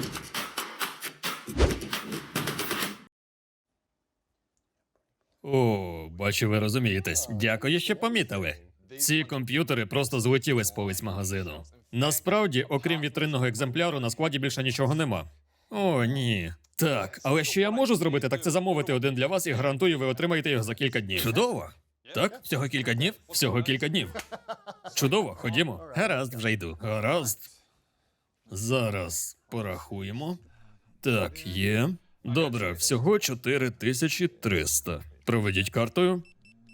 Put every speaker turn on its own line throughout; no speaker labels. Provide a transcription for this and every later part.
О, бачу, ви розумієтесь. Дякую, що помітили. Ці комп'ютери просто злетіли з полиць магазину. Насправді, окрім вітринного екземпляру, на складі більше нічого нема. О, ні. Так, але що я можу зробити, так це замовити один для вас і гарантую, ви отримаєте його за кілька днів. Чудово! Так? Всього кілька днів? Всього кілька днів. Чудово, ходімо. Гаразд, вже йду. Гаразд. Зараз порахуємо. Так, є. Добре, всього 4300. Проведіть картою.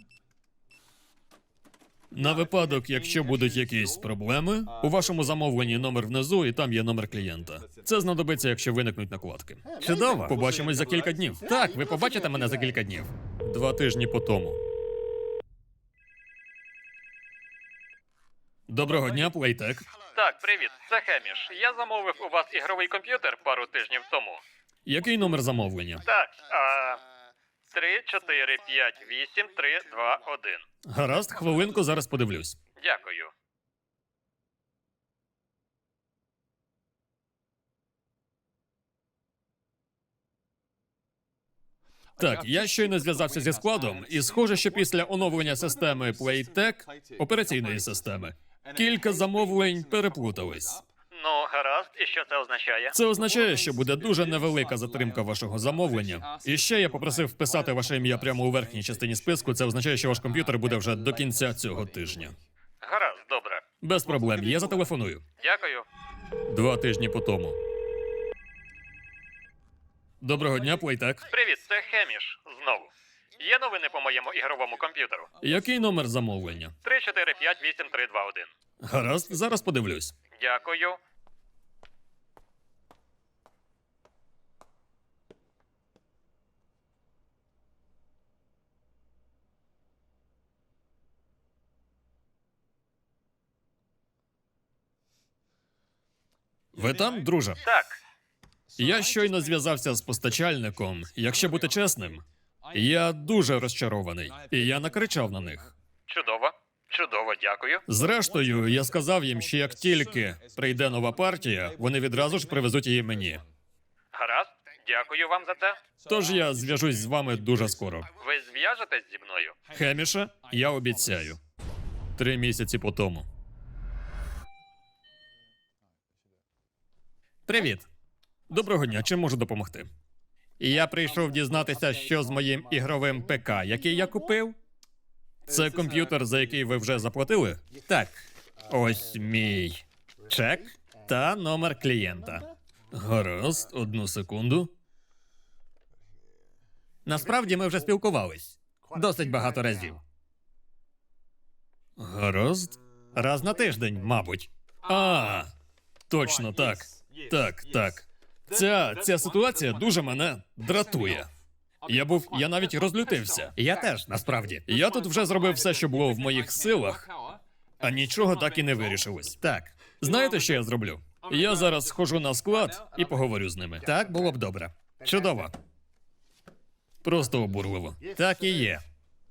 На випадок, якщо будуть якісь проблеми, у вашому замовленні номер внизу, і там є номер клієнта. Це знадобиться, якщо виникнуть накладки. Чудово! Побачимось за кілька днів. Так, ви побачите мене за кілька днів. 2 тижні по тому. Доброго дня, Playtech.
Так, привіт, це Хеміш. Я замовив у вас ігровий комп'ютер пару тижнів тому.
Який номер замовлення?
Так, 3, 4, 5, 8, 3, 2, 1.
Гаразд, хвилинку, зараз подивлюсь.
Дякую.
Так, я щойно зв'язався зі складом, і схоже, що після оновлення системи Playtech, операційної системи, кілька замовлень переплутались.
Ну, гаразд, і що це означає?
Це означає, що буде дуже невелика затримка вашого замовлення. І ще я попросив вписати ваше ім'я прямо у верхній частині списку. Це означає, що ваш комп'ютер буде вже до кінця цього тижня.
Гаразд, добре.
Без проблем, я зателефоную.
Дякую.
2 тижні по тому. Доброго дня, Playtech.
Привіт, це Хеміш. Знову. Є новини по моєму ігровому комп'ютеру?
Який номер замовлення?
3, 4, 5, 8, 3, 2, 1.
Гаразд, зараз подивлюсь.
Дякую.
Ви там, друже?
Так,
Я щойно зв'язався з постачальником. Якщо бути чесним, я дуже розчарований. І я накричав на них.
чудово. Чудово, дякую.
Зрештою, я сказав їм, що як тільки прийде нова партія, вони відразу ж привезуть її мені.
Гаразд, дякую вам за це.
Тож я зв'яжусь з вами дуже скоро.
Ви зв'яжетесь зі мною?
Хеміше, я обіцяю. 3 місяці по тому. Привіт. Доброго дня, чим можу допомогти? Я прийшов дізнатися, що з моїм ігровим ПК, який я купив. Це комп'ютер, за який ви вже заплатили? Так. Ось мій чек та номер клієнта. Гаразд, 1 секунду. Насправді ми вже спілкувались. Досить багато разів. Гаразд. Раз на тиждень, мабуть. Точно так. Так. Ця ситуація дуже мене дратує. Я навіть розлютився. Я теж, насправді. Я тут вже зробив все, що було в моїх силах, а нічого так і не вирішилось. Так. Знаєте, що я зроблю? Я зараз схожу на склад і поговорю з ними. Так, було б добре. Чудово. Просто обурливо. Так і є.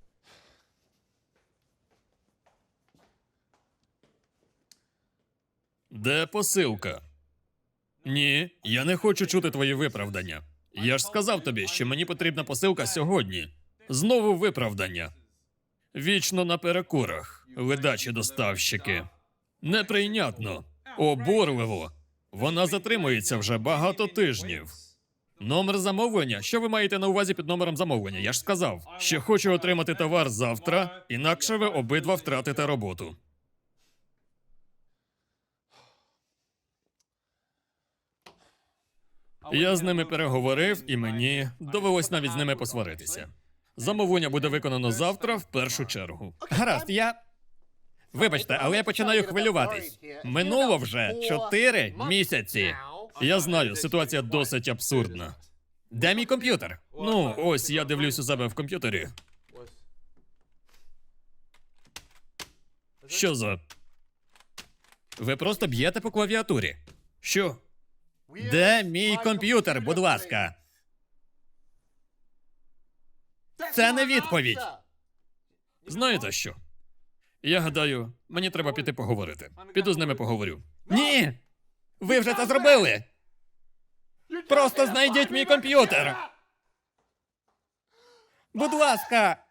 Де посилка? Ні, я не хочу чути твої виправдання. Я ж сказав тобі, що мені потрібна посилка сьогодні. Знову виправдання. Вічно на перекурах. Ледачі доставщики. Неприйнятно. Обурливо. Вона затримується вже багато тижнів. Номер замовлення? Що ви маєте на увазі під номером замовлення? Я ж сказав, що хочу отримати товар завтра, інакше ви обидва втратите роботу. Я з ними переговорив, і мені довелось навіть з ними посваритися. Замовлення буде виконано завтра в першу чергу. Гаразд, Вибачте, але я починаю хвилюватись. Минуло вже 4 місяці. Я знаю, ситуація досить абсурдна. Де мій комп'ютер? Ну, ось я дивлюсь у себе в комп'ютері. Що за... Ви просто б'єте по клавіатурі. Що? Де мій комп'ютер, будь ласка? Це не відповідь. Знаєте що? Я гадаю, мені треба піти поговорити. Піду з ними поговорю. Ні! Ви вже це зробили! Просто знайдіть мій комп'ютер! Будь ласка!